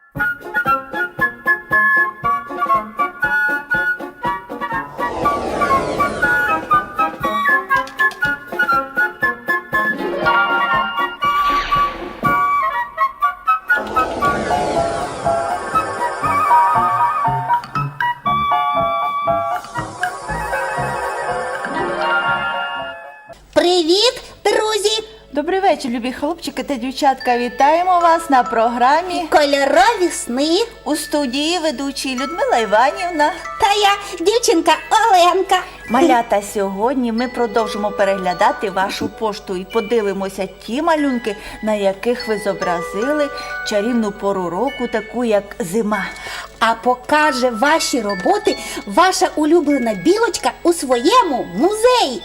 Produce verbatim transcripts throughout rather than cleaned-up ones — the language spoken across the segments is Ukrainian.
Привіт, друзі! Добрий вечір, любі хлопчики та дівчатка. Вітаємо вас на програмі Кольорові сни. у студії ведучі Людмила Іванівна. Та я, дівчинка Оленка. Малята, сьогодні ми продовжимо переглядати вашу пошту і подивимося ті малюнки, на яких ви зобразили чарівну пору року, таку як зима. А покаже ваші роботи ваша улюблена білочка у своєму музеї.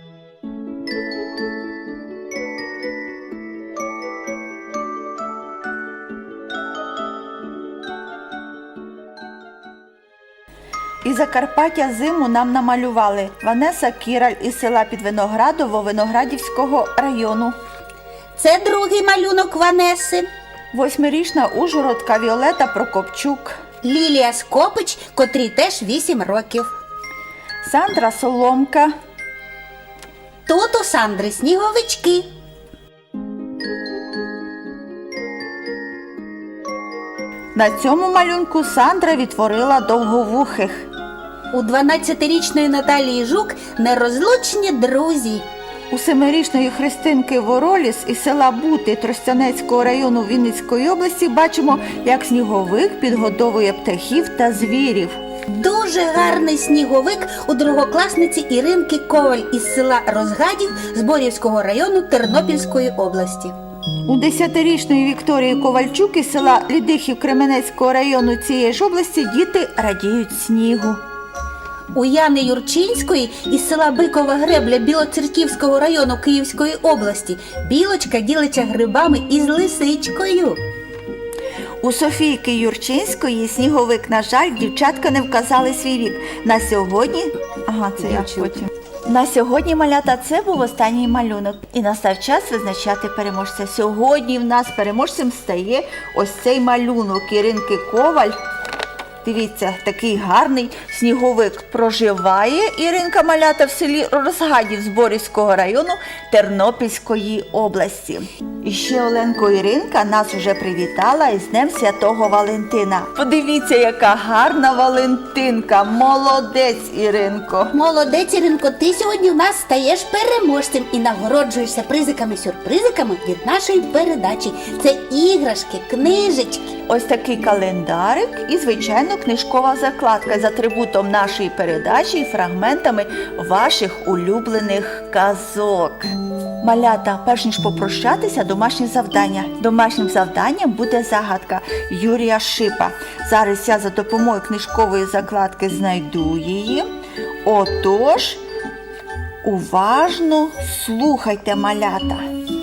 Із Закарпаття зиму нам намалювали Ванеса Кіраль із села Підвиноградово Виноградівського району. Це другий малюнок Ванеси. Восьмирічна ужгородка Віолета Прокопчук. Лілія Скопич, котрій теж вісім років. Сандра Соломка. Тут у Сандри сніговички. На цьому малюнку Сандра відтворила довговухих. У дванадцятирічної Наталії Жук нерозлучні друзі. У семирічної Христинки Вороліс із села Бути Тростянецького району Вінницької області бачимо, як сніговик підгодовує птахів та звірів. Дуже гарний сніговик у другокласниці Іринки Коваль із села Розгадів Зборівського району Тернопільської області. У десятирічної Вікторії Ковальчук із села Лідихів Кременецького району цієї ж області діти радіють снігу. У Яни Юрчинської із села Бикова Гребля Білоцерківського району Київської області білочка ділиться грибами із лисичкою. У Софійки Юрчинської сніговик, на жаль, дівчатка не вказали свій вік. На сьогодні... Ага, це я потім. На сьогодні, малята, це був останній малюнок. І настав час визначати переможця. Сьогодні в нас переможцем стає ось цей малюнок Іринки Коваль. Дивіться, такий гарний сніговик. Проживає Іринка, малята, в селі Розгадів Зборівського району Тернопільської області. І ще Оленко Іринка нас уже привітала із Днем Святого Валентина. Подивіться, яка гарна Валентинка. Молодець, Іринко. Молодець, Іринко, ти сьогодні в нас стаєш переможцем і нагороджуєшся призиками-сюрпризиками від нашої передачі. Це іграшки, книжечки. Ось такий календарик і, звичайно, книжкова закладка з атрибутом нашої передачі і фрагментами ваших улюблених казок. Малята, перш ніж попрощатися, домашнє завдання. Домашнім завданням буде загадка Юрія Шипа. Зараз я за допомогою книжкової закладки знайду її. Отож, уважно слухайте, малята.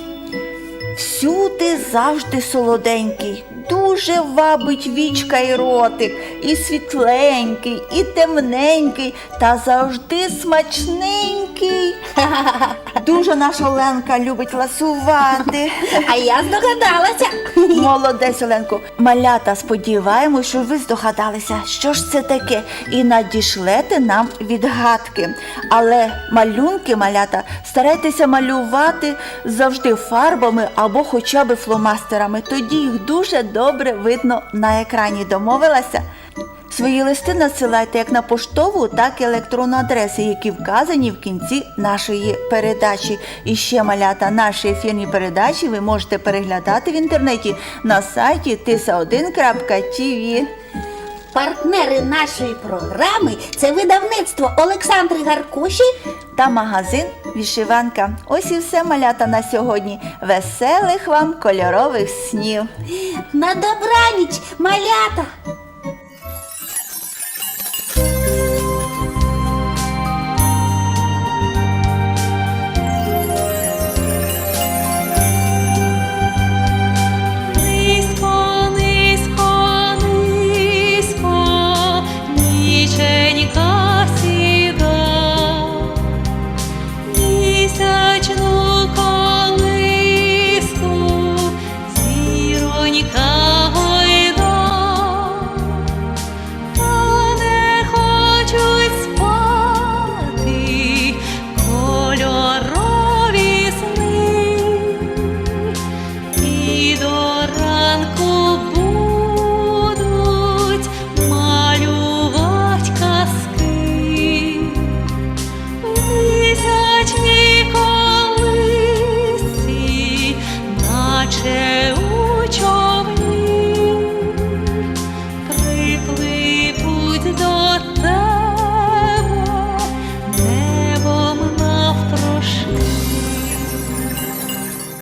Всюди завжди солоденький, дуже вабить вічка і ротик, і світленький, і темненький, та завжди смачненький. Дуже наша Оленка любить ласувати. А я здогадалася. Молодець, Оленко. Малята, сподіваємось, що ви здогадалися, що ж це таке, і надішлете нам відгадки. Але малюнки, малята, старайтеся малювати завжди фарбами або хоча б фломастерами. Тоді їх дуже добре видно на екрані. Домовилася? Свої листи надсилайте як на поштову, так і електронну адреси, які вказані в кінці нашої передачі. І ще, малята, наші ефірні передачі ви можете переглядати в інтернеті на сайті тиса один крапка ті ві. Партнери нашої програми – це видавництво Олександри Гаркуші та магазин «Вишиванка». Ось і все, малята, на сьогодні. Веселих вам кольорових снів! На добраніч, малята!